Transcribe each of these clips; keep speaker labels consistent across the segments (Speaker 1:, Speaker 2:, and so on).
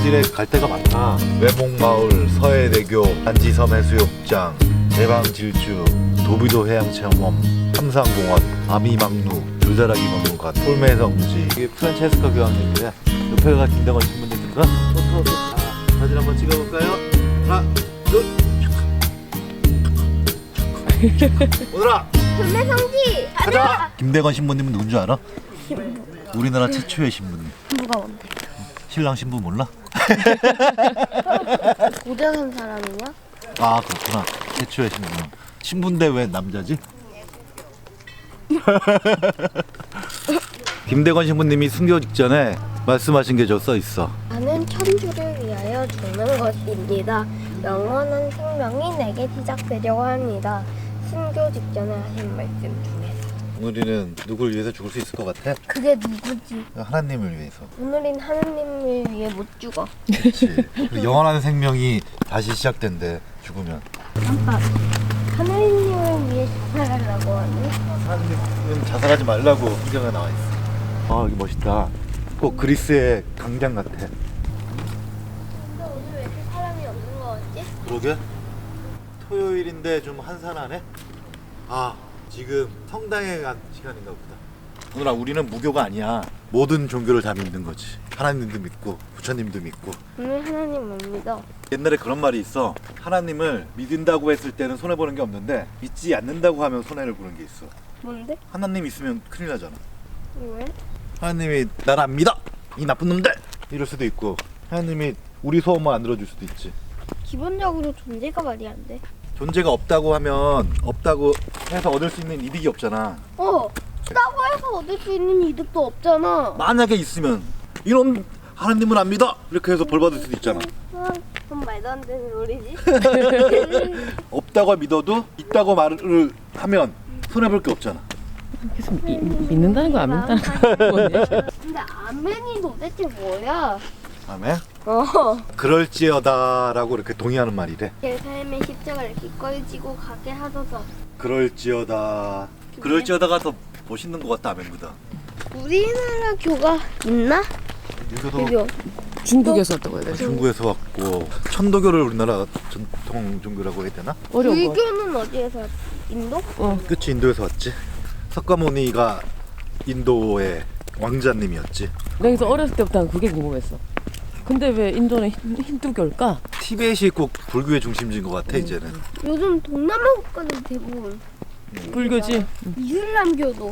Speaker 1: 조선시대 갈 데가 많다. 외목마을, 서해대교, 단지섬 해수욕장, 대방질주, 도비도 해양체험원, 삼산공원, 아미망루, 줄다라기 박물관, 폴매성지. 이게 프란체스카 교황님이래. 옆에가 김대건 신부님인가? 사진 한번 찍어볼까요? 하나, 둘. 오늘아
Speaker 2: 금매성지
Speaker 1: 가자. 김대건 신부님은 누군 줄 알아? 우리나라 최초의 신부님.
Speaker 2: 누가 뭔데?
Speaker 1: 신랑 신부 몰라?
Speaker 2: 고대한 사람이냐?
Speaker 1: 아 그렇구나. 최초의 신부. 신부인데 왜 남자지? 김대건 신부님이 순교 직전에 말씀하신 게 저 써 있어.
Speaker 2: 나는 천주를 위하여 죽는 것입니다. 영원한 생명이 내게 시작되려고 합니다. 순교 직전에 하신 말씀 중에서.
Speaker 1: 오늘이는 누굴 위해서 죽을 수 있을 것 같아?
Speaker 2: 그게 누구지?
Speaker 1: 하나님을 위해서.
Speaker 2: 오늘은 하느님을 위해 못 죽어.
Speaker 1: 그렇지. 영원한 생명이 다시 시작된대. 죽으면.
Speaker 2: 잠깐. 하느님을 위해 살아가려고 하니?
Speaker 1: 하나님은 자살하지 말라고 성경에 나와 있어. 아 여기 멋있다. 꼭 그리스의 강장 같아.
Speaker 2: 근데 오늘 왜 이렇게 사람이 없는 거 같지?
Speaker 1: 그러게. 토요일인데 좀 한산하네. 아 지금 성당에 간 시간인가 보다. 오늘아 우리는 무교가 아니야. 모든 종교를 다 믿는 거지. 하나님도 믿고 부처님도 믿고.
Speaker 2: 오늘 하나님 못 믿어.
Speaker 1: 옛날에 그런 말이 있어. 하나님을 믿는다고 했을 때는 손해보는 게 없는데 믿지 않는다고 하면 손해를 보는 게 있어.
Speaker 2: 뭔데?
Speaker 1: 하나님 있으면 큰일 나잖아.
Speaker 2: 왜?
Speaker 1: 하나님이 나를 안 믿어! 이 나쁜 놈들! 이럴 수도 있고 하나님이 우리 소원만 안 들어줄 수도 있지.
Speaker 2: 기본적으로 존재가 말이 안 돼.
Speaker 1: 존재가 없다고 하면 없다고 해서 얻을 수 있는 이득이 없잖아.
Speaker 2: 없다고 해서 얻을 수 있는 이득도 없잖아.
Speaker 1: 만약에 있으면 이런 하나님은 안 믿어! 이렇게 해서 벌 받을 수도 있잖아.
Speaker 2: 그건 말도 안 되는 소리지.
Speaker 1: 없다고 믿어도 있다고 말을 하면 손해볼 게 없잖아.
Speaker 3: 그래서 믿는다는 거 안 믿는다는 거 뭐냐?
Speaker 2: 근데 아멘이 도대체 뭐야?
Speaker 1: 아멘?
Speaker 2: 어.
Speaker 1: 그럴지어다라고 이렇게 동의하는 말이래.
Speaker 2: 제 삶의 십자가를 기꺼이 지고 가게 하소서.
Speaker 1: 그럴지어다. 그럴지어다가 더 멋있는 것 같다 아멘보다.
Speaker 2: 우리나라 교가 있나?
Speaker 1: 여기도
Speaker 2: 교교.
Speaker 3: 중국에서 왔다고 해야 되나?
Speaker 1: 중국에서 왔고 천도교를 우리나라 전통 종교라고 해야 되나?
Speaker 3: 어려운 거.
Speaker 2: 불교는 어디에서 왔지? 인도?
Speaker 1: 그치 인도에서 왔지. 석가모니가 인도의 왕자님이었지.
Speaker 3: 여기서 어렸을 때부터 난 그게 궁금했어. 근데 왜 인도는 힌두교일까?
Speaker 1: 티벳이 꼭 불교의 중심지인 것 같아 이제는.
Speaker 2: 요즘 동남아 국가는 대부분
Speaker 3: 불교지.
Speaker 2: 이슬람교도.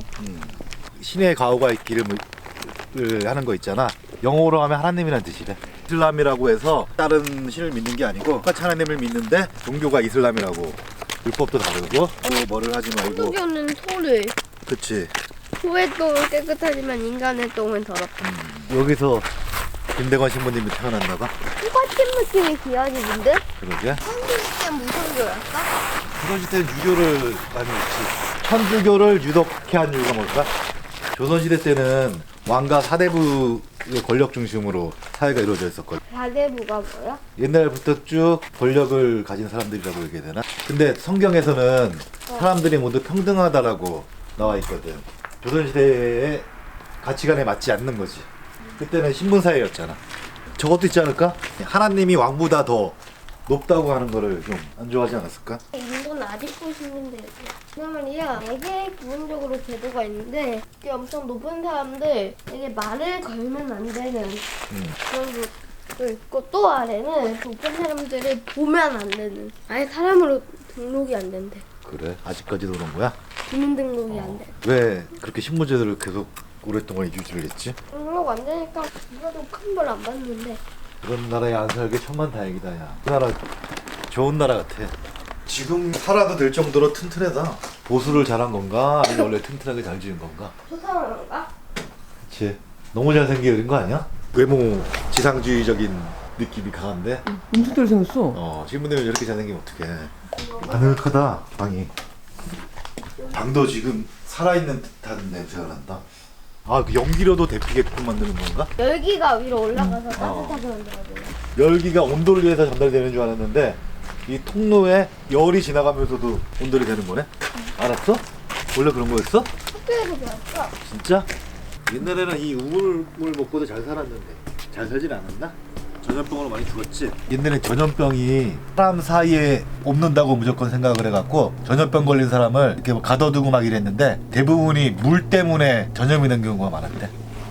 Speaker 1: 신의 가호가 기름을 하는 거 있잖아. 영어로 하면 하나님이라는 뜻이래. 이슬람이라고 해서 다른 신을 믿는 게 아니고 똑같이 하나님을 믿는데 종교가 이슬람이라고. 율법도 다르고 또 뭐를 하지 말고.
Speaker 2: 힌두교는 소를.
Speaker 1: 그치.
Speaker 2: 소의 똥은 깨끗하지만 인간의 똥은 더럽다.
Speaker 1: 여기서 김대건 신부님이 태어났나 봐.
Speaker 2: 똑같은 느낌의 기억이는데?
Speaker 1: 그러게.
Speaker 2: 한국에 무슨 교였어?
Speaker 1: 조선시대는 유교를 많이 했지. 천주교를 유독해 한 이유가 뭘까? 조선시대 때는 왕과 사대부의 권력 중심으로 사회가 이루어져 있었거든.
Speaker 2: 사대부가 뭐야?
Speaker 1: 옛날부터 쭉 권력을 가진 사람들이라고 얘기해야 되나? 근데 성경에서는 사람들이 모두 평등하다라고 나와 있거든. 조선시대의 가치관에 맞지 않는 거지. 그때는 신분사회였잖아. 저것도 있지 않을까? 하나님이 왕보다 더 높다고 하는 거를 좀 안 좋아하지 않았을까?
Speaker 2: 인도는 아직도 신분대. 그냥 말이야. 되게 기본적으로 제도가 있는데 이게 엄청 높은 사람들 되게 말을 걸면 안 되는 그런 것도 있고 또 아래는 높은 사람들을 보면 안 되는 아예 사람으로 등록이 안 된대.
Speaker 1: 그래? 아직까지도 그런 거야?
Speaker 2: 주민 등록이 안 돼.
Speaker 1: 왜 그렇게 신분제도를 계속 오랫동안 유지를 했지?
Speaker 2: 등록 안 되니까 누가도 큰 벌 안 받는데.
Speaker 1: 그런 나라에 안 살게 천만다행이다 야. 그 나라 좋은 나라 같아. 지금 살아도 될 정도로 튼튼하다. 보수를 잘한 건가? 아니면 원래 튼튼하게 잘 지은 건가?
Speaker 2: 초상화인가?
Speaker 1: 그치. 너무 잘생긴 거 아니야? 외모 지상주의적인 느낌이 강한데?
Speaker 3: 엄청 잘생겼어.
Speaker 1: 신부님이 이렇게 잘생기면 어떡해. 아늑하다 방이. 방도 지금 살아있는 듯한 냄새가 난다. 아, 그 연기로도 데피게끔 만드는 건가?
Speaker 2: 열기가 위로 올라가서 따뜻하게 만들어줘요.
Speaker 1: 열기가 온도를 위해서 전달되는 줄 알았는데 이 통로에 열이 지나가면서도 온돌이 되는 거네? 알았어? 원래 그런 거였어?
Speaker 2: 학교에서 배웠어.
Speaker 1: 진짜? 옛날에는 이 우물물 먹고도 잘 살았는데 잘 살진 않았나? 전염병으로 많이 죽었지. 옛날에 전염병이 사람 사이에 없는다고 무조건 생각을 해갖고 전염병 걸린 사람을 이렇게 뭐 가둬두고 막 이랬는데 대부분이 물 때문에 전염이 된 경우가 많았대.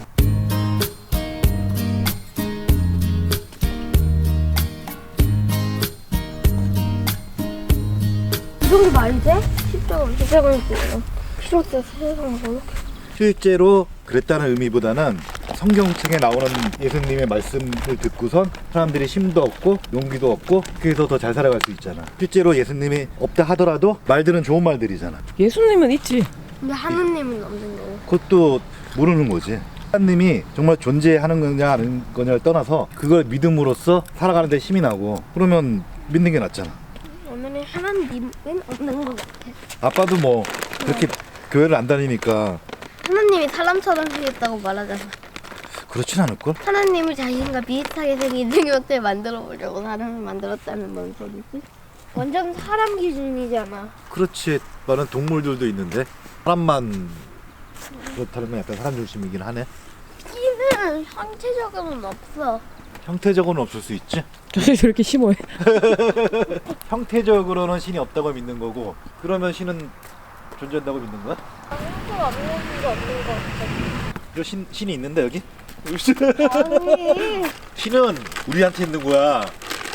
Speaker 2: 이 정도 말이 돼? 10점, 10점을 보여요. 키로수 세상 걸로.
Speaker 1: 실제로 그랬다는 의미보다는 성경책에 나오는 예수님의 말씀을 듣고선 사람들이 힘도 얻고 용기도 얻고 그래서 더 잘 살아갈 수 있잖아. 실제로 예수님이 없다 하더라도 말들은 좋은 말들이잖아.
Speaker 3: 예수님은 있지.
Speaker 2: 근데 하느님은 없는 거고.
Speaker 1: 그것도 모르는 거지. 하나님이 정말 존재하는 거냐 아닌 거냐를 떠나서 그걸 믿음으로써 살아가는 데 힘이 나고 그러면 믿는 게 낫잖아.
Speaker 2: 오늘은 하나님은 없는 것 같아.
Speaker 1: 아빠도 뭐 그렇게 교회를 안 다니니까
Speaker 2: 하나님이 사람처럼 생겼다고 말하잖아.
Speaker 1: 그렇진 않을걸?
Speaker 2: 하나님을 자신과 비슷하게 생긴 생명체 만들어 보려고 사람을 만들었다는 뭔 소리지? 완전 사람 기준이잖아.
Speaker 1: 그렇지. 많은 동물들도 있는데 사람만 그렇다는 건 약간 사람 중심이긴 하네.
Speaker 2: 신은 형체적으로는 없어.
Speaker 1: 형태적으로는 없을 수 있지.
Speaker 3: 저게 저렇게 심오해.
Speaker 1: 형태적으로는 신이 없다고 믿는 거고 그러면 신은 존재한다고 믿는 거야?
Speaker 2: 아무것도 없는 거 없는 거 같아.
Speaker 1: 여기 신이 있는데 여기?
Speaker 2: 아니.
Speaker 1: 신은 우리한테 있는 거야.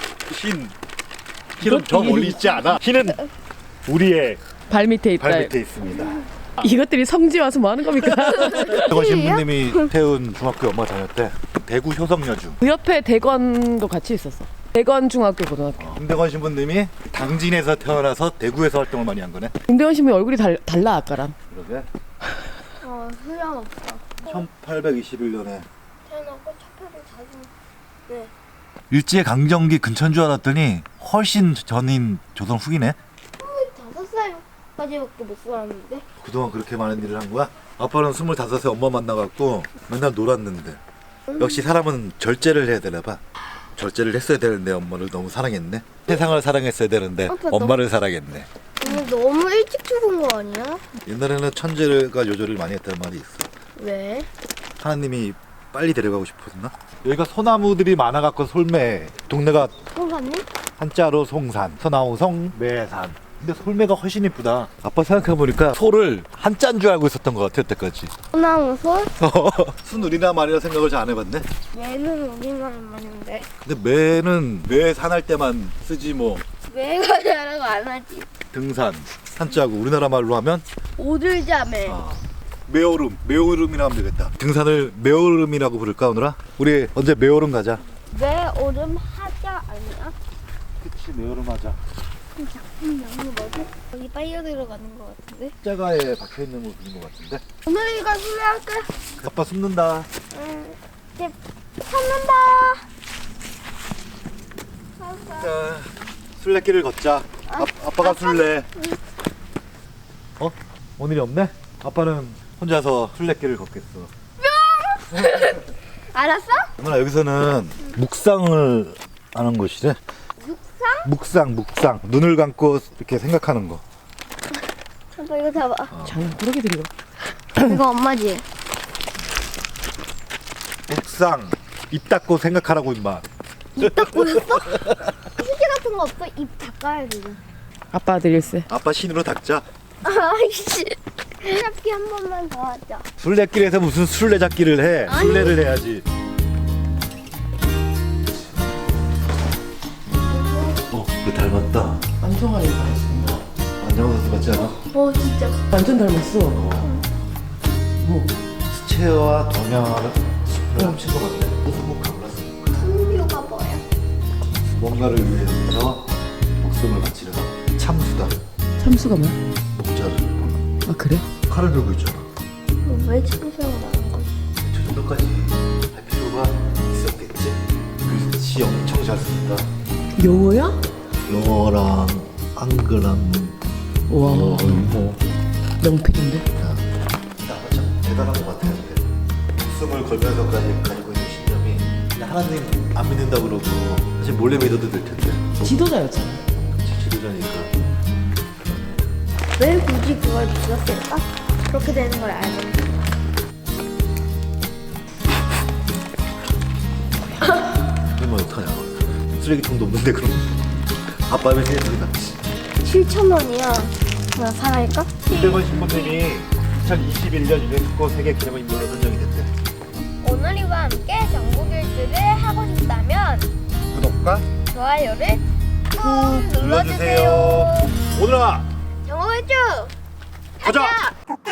Speaker 1: 신은 저 멀리 있지 않아. 신은 우리의
Speaker 3: 발 밑에 있다.
Speaker 1: 발 밑에 있습니다.
Speaker 3: 이것들이 성지 와서 뭐 하는 겁니까?
Speaker 1: 대건 신부님이 태운 중학교 엄마 다녔대. 대구 효성여중.
Speaker 3: 그 옆에 대건도 같이 있었어. 대건 중학교 고등학교.
Speaker 1: 김대건 신부님이 당진에서 태어나서 대구에서 활동을 많이 한 거네.
Speaker 3: 김대원 신부 얼굴이 달라 아까랑.
Speaker 1: 그러게.
Speaker 2: 소용없어.
Speaker 1: 1821년에
Speaker 2: 태어나고 차표를 자주. 네.
Speaker 1: 일제 강점기 근처인 줄 알았더니 훨씬 전인 조선 후기네.
Speaker 2: 25살까지밖에 못 살았는데.
Speaker 1: 그동안 그렇게 많은 일을 한 거야? 아빠는 25세 엄마 만나갖고 맨날 놀았는데 역시 사람은 절제를 해야 되나 봐. 절제를 했어야 되는데 엄마를 너무 사랑했네. 세상을 사랑했어야 되는데
Speaker 2: 아빠
Speaker 1: 엄마를 사랑했네.
Speaker 2: 오늘 너무 일찍 죽은 거 아니야?
Speaker 1: 옛날에는 천재가 요절을 많이 했다는 말이 있어.
Speaker 2: 왜?
Speaker 1: 하나님이 빨리 데려가고 싶었나? 여기가 소나무들이 많아갖고 솔매. 동네가
Speaker 2: 송사님?
Speaker 1: 한자로 송산, 서나무 성, 매산. 근데 솔매가 훨씬 이쁘다. 아빠 생각해보니까 소를 한자인 줄 알고 있었던 것 같아 여태까지.
Speaker 2: 소나무솔?
Speaker 1: 순 우리나라 말이라 생각을 잘 안 해봤네.
Speaker 2: 매는 우리나라 말인데.
Speaker 1: 근데 매는 매 산할 때만 쓰지 뭐.
Speaker 2: 매가 잘하고 안 하지.
Speaker 1: 등산, 한자고 우리나라 말로 하면
Speaker 2: 오들자매.
Speaker 1: 매오름, 매오름이라 하면 되겠다. 등산을 매오름이라고 부를까 오늘아? 우리 언제 매오름 가자.
Speaker 2: 매오름 하자 아니야?
Speaker 1: 그치 매오름 하자.
Speaker 2: 작품 명이 뭐지? 여기 빨려 들어가는 거 같은데?
Speaker 1: 십자가에 박혀있는 거 그런 거 같은데?
Speaker 2: 오늘 이거 수리할까?
Speaker 1: 아빠 숨는다.
Speaker 2: 이제 찾는다.
Speaker 1: 자, 술래길을 걷자. 아빠가 술래. 어? 오늘이 없네? 아빠는 혼자서 술래길을 걷겠어.
Speaker 2: 알았어?
Speaker 1: 누나 여기서는 묵상을 하는 곳이래.
Speaker 2: 육상?
Speaker 1: 묵상. 눈을 감고 이렇게 생각하는 거.
Speaker 2: 아빠 이거 잡아.
Speaker 3: 장난 꾸러기 들이고.
Speaker 2: 이거 엄마지?
Speaker 1: 묵상. 입 닫고 생각하라고 임마.
Speaker 2: 입 닫고 있어? 휴지 같은 거 없어? 입 닦아야 돼.
Speaker 3: 아빠 아들 일세.
Speaker 1: 아빠 신으로 닦자.
Speaker 2: 아이씨. 잡기 한 번만 더 하자.
Speaker 1: 술래길에서 무슨 술래잡기를 해.
Speaker 2: 아니.
Speaker 1: 술래를 해야지. 그 닮았다.
Speaker 3: 안정환이 닮았어.
Speaker 1: 안정환 선수 같지 않아?
Speaker 2: 진짜.
Speaker 3: 완전 닮았어. 뭐
Speaker 1: 스체어와 동양화를 합친 것 같아. 무슨 목화 몰랐으니까.
Speaker 2: 성교가 뭐야?
Speaker 1: 뭔가를 위해서 목숨을 바치려다. 참수다.
Speaker 3: 참수가 뭐야?
Speaker 1: 목자를.
Speaker 3: 아 그래?
Speaker 1: 칼을 들고 있잖아.
Speaker 2: 왜 참수가 나는 거지?
Speaker 1: 저 정도까지 할 필요가 있었겠지. 글씨 엄청 잘 쓴다.
Speaker 3: 영어야?
Speaker 1: 영어랑 한글랑
Speaker 3: 와
Speaker 1: 뭐
Speaker 3: 명필인데.
Speaker 1: 아빠 참 대단한 것 같아요. 근데 목숨을 걸면서까지 가지고 있는 신념이 근데 하나님 안 믿는다 그러고 사실 몰래 믿어도 될 텐데.
Speaker 3: 지도자였잖아.
Speaker 1: 지도자니까.
Speaker 2: 왜 굳이 그걸 믿었을까? 그렇게 되는 걸 알면.
Speaker 1: 하면 어떡하냐. 쓰레기통도 없는데 그럼. 아빠 왜 생각이 났지?
Speaker 2: 7,000원이야. 뭐야, 사갈까?
Speaker 1: 김대건 신부님이 2021년 유네스코 세계 기념인물로 선정이 됐대.
Speaker 2: 오늘이와 함께 정보교육을 하고 싶다면
Speaker 1: 구독과
Speaker 2: 좋아요를 꾹
Speaker 1: 눌러주세요. 오늘아
Speaker 2: 정보교육
Speaker 1: 가자.